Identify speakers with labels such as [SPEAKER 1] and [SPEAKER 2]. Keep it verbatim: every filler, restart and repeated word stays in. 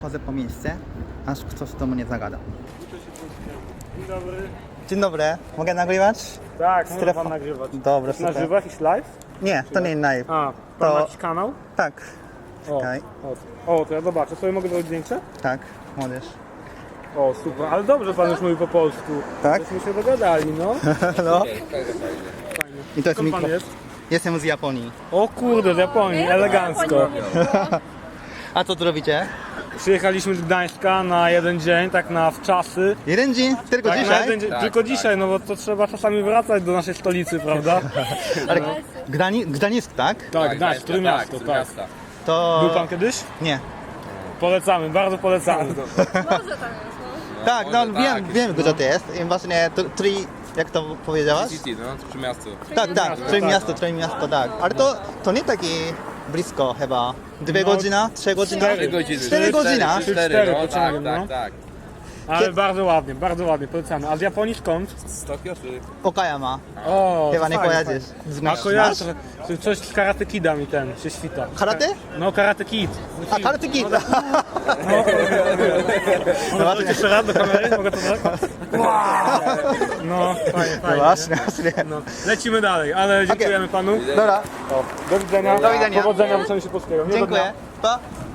[SPEAKER 1] Chodzę po miejsce, aż ktoś do mnie zagada.
[SPEAKER 2] Dzień dobry.
[SPEAKER 1] Dzień dobry, mogę nagrywać?
[SPEAKER 2] Tak, może
[SPEAKER 1] Strefa.
[SPEAKER 2] pan nagrywać.
[SPEAKER 1] Dobra,
[SPEAKER 2] Na
[SPEAKER 1] super.
[SPEAKER 2] żywo jakiś live?
[SPEAKER 1] Nie, to nie live.
[SPEAKER 2] A, pan
[SPEAKER 1] To-
[SPEAKER 2] ma jakiś kanał?
[SPEAKER 1] Tak,
[SPEAKER 2] O,
[SPEAKER 1] Czekaj.
[SPEAKER 2] o, o, to ja zobaczę. Sobie mogę zrobić zdjęcie?
[SPEAKER 1] tak, młodzież.
[SPEAKER 2] O, super. Ale dobrze pan już mówi po polsku.
[SPEAKER 1] Tak?
[SPEAKER 2] Żeśmy się dogadali, no.
[SPEAKER 1] No.
[SPEAKER 2] Fajnie.
[SPEAKER 1] I to jest
[SPEAKER 2] Skąd pan
[SPEAKER 1] mikro.
[SPEAKER 2] jest?
[SPEAKER 1] Jestem z Japonii.
[SPEAKER 2] O kurde, z Japonii, elegancko.
[SPEAKER 1] A co tu robicie?
[SPEAKER 2] Przyjechaliśmy z Gdańska na jeden dzień, tak na wczasy.
[SPEAKER 1] Jeden dzień? Tylko
[SPEAKER 2] Tak, na
[SPEAKER 1] dzisiaj?
[SPEAKER 2] jeden dzień, tylko dzisiaj, no bo to trzeba czasami wracać do naszej stolicy, prawda?
[SPEAKER 1] Ale Gdani Gdańsk, tak?
[SPEAKER 2] Tak, Gdańsk, które miasto, tak.
[SPEAKER 3] miasta.
[SPEAKER 1] To...
[SPEAKER 2] Był pan kiedyś?
[SPEAKER 1] Nie.
[SPEAKER 2] Polecamy, bardzo polecamy.
[SPEAKER 4] Może tam jest, no.
[SPEAKER 1] Tak, no
[SPEAKER 3] może
[SPEAKER 1] wiem,
[SPEAKER 3] tak,
[SPEAKER 1] wiem gdzie to jest. I właśnie tr- tri... jak to powiedziałaś?
[SPEAKER 3] City, no, przy miastu.
[SPEAKER 1] Tak, tak,
[SPEAKER 2] miasto,
[SPEAKER 1] Trój
[SPEAKER 2] tak.
[SPEAKER 1] miasto, Trój miasto, tak. Ale to, to nie taki blisko chyba. Dwie
[SPEAKER 2] No,
[SPEAKER 1] godziny? Trzy godziny?
[SPEAKER 2] cztery
[SPEAKER 3] godziny.
[SPEAKER 1] Cztery godziny?
[SPEAKER 3] Cztery,
[SPEAKER 2] Cztery
[SPEAKER 3] no, tak,
[SPEAKER 2] pociągiem,
[SPEAKER 3] tak,
[SPEAKER 2] no.
[SPEAKER 3] tak.
[SPEAKER 2] Ale bardzo ładnie, bardzo ładnie, polecamy. A z Japonii skąd?
[SPEAKER 3] Z Tokio czy...
[SPEAKER 1] Okayama.
[SPEAKER 2] O,
[SPEAKER 1] Chyba
[SPEAKER 2] to
[SPEAKER 1] nie
[SPEAKER 2] fajnie,
[SPEAKER 1] kojarzysz.
[SPEAKER 2] fajnie. A
[SPEAKER 1] Znasz?
[SPEAKER 2] kojarzę,
[SPEAKER 1] Znasz?
[SPEAKER 2] trochę. Coś z Karate Kida mi ten się świta.
[SPEAKER 1] Karate?
[SPEAKER 2] No, Karate Kid.
[SPEAKER 1] A, Karate Kid.
[SPEAKER 2] Mogę to jeszcze raz do kamery? Mogę to tak? No, fajnie,
[SPEAKER 1] No
[SPEAKER 2] fajnie.
[SPEAKER 1] właśnie, właśnie.
[SPEAKER 2] No. Lecimy dalej, ale dziękujemy panu.
[SPEAKER 1] Dobra,
[SPEAKER 2] O, do widzenia.
[SPEAKER 1] Do widzenia.
[SPEAKER 2] Powodzenia w Sądzie Polskiego. Miłego
[SPEAKER 1] dziękuję.
[SPEAKER 2] dnia.
[SPEAKER 1] Pa.